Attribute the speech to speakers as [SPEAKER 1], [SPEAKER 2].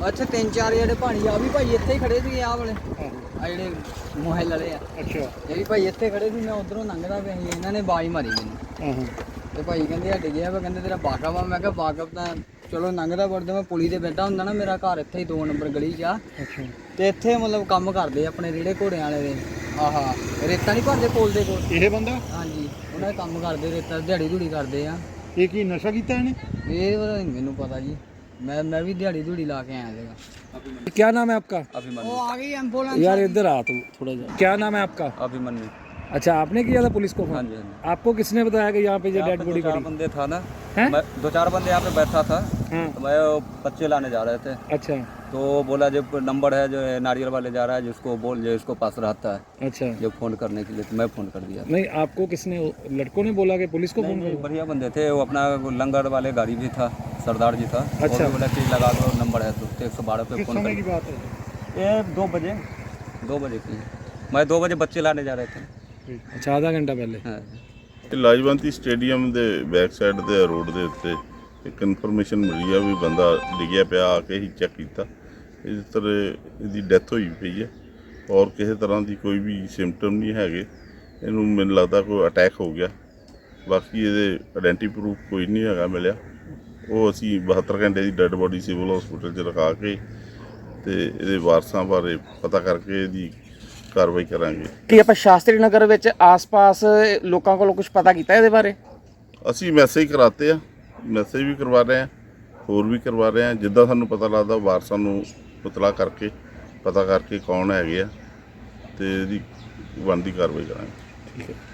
[SPEAKER 1] ਅੱਛਾ 3-4 ਜਿਹੜੇ ਪਾਣੀ ਆ ਵੀ ਭਾਈ ਇੱਥੇ ਹੀ ਖੜੇ ਸੀ ਆਹ ਵਾਲੇ ਆ ਜਿਹੜੇ ਮੋਹਿਲ ਵਾਲੇ ਆ। ਅੱਛਾ ਇਹ ਵੀ ਭਾਈ ਇੱਥੇ ਖੜੇ ਸੀ, ਮੈਂ ਉਧਰੋਂ ਲੰਘਦਾ ਪਿਆ ਸੀ, ਇਹਨਾਂ ਨੇ ਬਾਜ਼ ਮਾਰੀ ਮੈਨੂੰ। ਤੇ ਭਾਈ ਕਹਿੰਦੇ ਹਟ ਗਿਆ ਵਾ, ਕਹਿੰਦੇ ਤੇਰਾ ਵਾਕਫ ਆ। ਮੈਂ ਕਿਹਾ ਵਾਕਫ ਤਾਂ ਚਲੋ ਲੰਘਦਾ ਵੜਦਾ, ਮੈਂ ਪੁਲੀ ਤੇ ਬੈਠਾ ਹੁੰਦਾ ਨਾ, ਮੇਰਾ ਘਰ ਇੱਥੇ ਹੀ 2 ਨੰਬਰ ਗਲੀ 'ਚ ਆ। ਤੇ ਇੱਥੇ ਮਤਲਬ ਕੰਮ ਕਰਦੇ ਆਪਣੇ ਰੇੜੇ ਘੋੜਿਆਂ ਵਾਲੇ ਦੇ। ਆਹਾ ਰੇਤਾ ਨਹੀਂ ਭਰਦੇ ਪੁਲ ਦੇ ਕੋਲ ਇਹ ਬੰਦਾ? ਹਾਂਜੀ ਉਹਨਾਂ ਦੇ ਕੰਮ ਕਰਦੇ, ਰੇਤਾ ਦਿਹਾੜੀ ਧੂੜੀ ਕਰਦੇ ਆ। ਇਹ ਕੀ ਨਸ਼ਾ ਕੀਤਾ ਇਹਨੇ? ਇਹ ਮੈਨੂੰ ਪਤਾ ਜੀ, मैं भी दिहाड़ी धूड़ी ला के आया था।
[SPEAKER 2] क्या नाम है आपका?
[SPEAKER 1] अभिमन्यु। वो आ गई एम्बुलेंस
[SPEAKER 2] यार इधर आ तू थोड़ा जा। क्या नाम है आपका?
[SPEAKER 1] अभिमन्यु।
[SPEAKER 2] अच्छा आपने किया था पुलिस को फोन?
[SPEAKER 1] हाँ जी, हाँ जी।
[SPEAKER 2] आपको किसने बताया कि यहाँ पे ये डेड बॉडी पड़ी?
[SPEAKER 1] 2-4 बंदे था ना,
[SPEAKER 2] हैं?
[SPEAKER 1] 2-4 बंदे यहाँ पे बैठा था। तो मैं बच्चे लाने जा रहे थे।
[SPEAKER 2] अच्छा
[SPEAKER 1] तो बोला जब नंबर है जो है नारियल वाले जा रहा है, जिसको बोल जो इसको पास रहता है
[SPEAKER 2] अच्छा
[SPEAKER 1] जो फोन करने के लिए, तो मैं फोन कर दिया।
[SPEAKER 2] नहीं आपको किसने, लड़कों ने बोला कि पुलिस को फोन करो?
[SPEAKER 1] बढ़िया बंदे थे, वो अपना लंगर वाले गाड़ी भी था, सरदार जी था।
[SPEAKER 2] अच्छा।
[SPEAKER 1] बोला कि लगा दो नंबर है, तो 112 पे फोन
[SPEAKER 2] की बात है?
[SPEAKER 1] ये 2 बजे की है। मैं 2 बजे बच्चे लाने जा रहे थे।
[SPEAKER 2] अच्छा आधा घंटा पहले।
[SPEAKER 1] हाँ।
[SPEAKER 3] ਲਾਜਵੰਤੀ ਸਟੇਡੀਅਮ ਦੇ ਬੈਕ ਸਾਈਡ ਦੇ ਰੋਡ ਦੇ ਉੱਤੇ ਇੱਕ ਇਨਫੋਰਮੇਸ਼ਨ ਮਿਲੀ ਆ ਵੀ ਬੰਦਾ ਡਿੱਗਿਆ ਪਿਆ, ਆ ਕੇ ਹੀ ਚੈੱਕ ਕੀਤਾ। ਇਸ ਤਰ੍ਹਾਂ ਇਹਦੀ ਡੈਥ ਹੋਈ ਪਈ ਹੈ ਔਰ ਕਿਸੇ ਤਰ੍ਹਾਂ ਦੀ ਕੋਈ ਵੀ ਸਿੰਪਟਮ ਨਹੀਂ ਹੈਗੇ। ਇਹਨੂੰ ਮੈਨੂੰ ਲੱਗਦਾ ਕੋਈ ਅਟੈਕ ਹੋ ਗਿਆ। ਬਾਕੀ ਇਹਦੇ ਆਇਡੈਂਟੀ ਪ੍ਰੂਫ ਕੋਈ ਨਹੀਂ ਹੈਗਾ ਮਿਲਿਆ। ਉਹ ਅਸੀਂ 72 ਘੰਟੇ ਦੀ ਡੈੱਡ ਬੋਡੀ ਸਿਵਲ ਹਸਪੀਟਲ 'ਚ ਰਖਾ ਕੇ ਤੇ ਇਹਦੇ ਵਾਰਸਾਂ ਬਾਰੇ ਪਤਾ ਕਰਕੇ ਇਹਦੀ ਕਾਰਵਾਈ ਕਰਾਂਗੇ।
[SPEAKER 4] ਕੀ ਆਪਾਂ ਸ਼ਾਸਤਰੀ ਨਗਰ ਵਿੱਚ ਆਸ-ਪਾਸ ਲੋਕਾਂ ਕੋਲੋਂ ਕੁਝ ਪਤਾ ਕੀਤਾ ਇਹਦੇ ਬਾਰੇ?
[SPEAKER 3] ਅਸੀਂ ਮੈਸੇਜ ਕਰਾਤੇ ਆ, ਮੈਸੇਜ ਵੀ ਕਰਵਾ ਰਹੇ ਹਾਂ, ਹੋਰ ਵੀ ਕਰਵਾ ਰਹੇ ਹਾਂ। ਜਿੱਦਾਂ ਸਾਨੂੰ ਪਤਾ ਲੱਗਦਾ ਵਾਰਸਾਂ ਨੂੰ ਇਤਲਾਹ ਕਰਕੇ ਪਤਾ ਕਰਕੇ ਕੌਣ ਹੈਗੇ ਆ ਤੇ ਇਹਦੀ ਬਣਦੀ ਕਾਰਵਾਈ ਕਰਾਂਗੇ।
[SPEAKER 2] ਠੀਕ ਹੈ।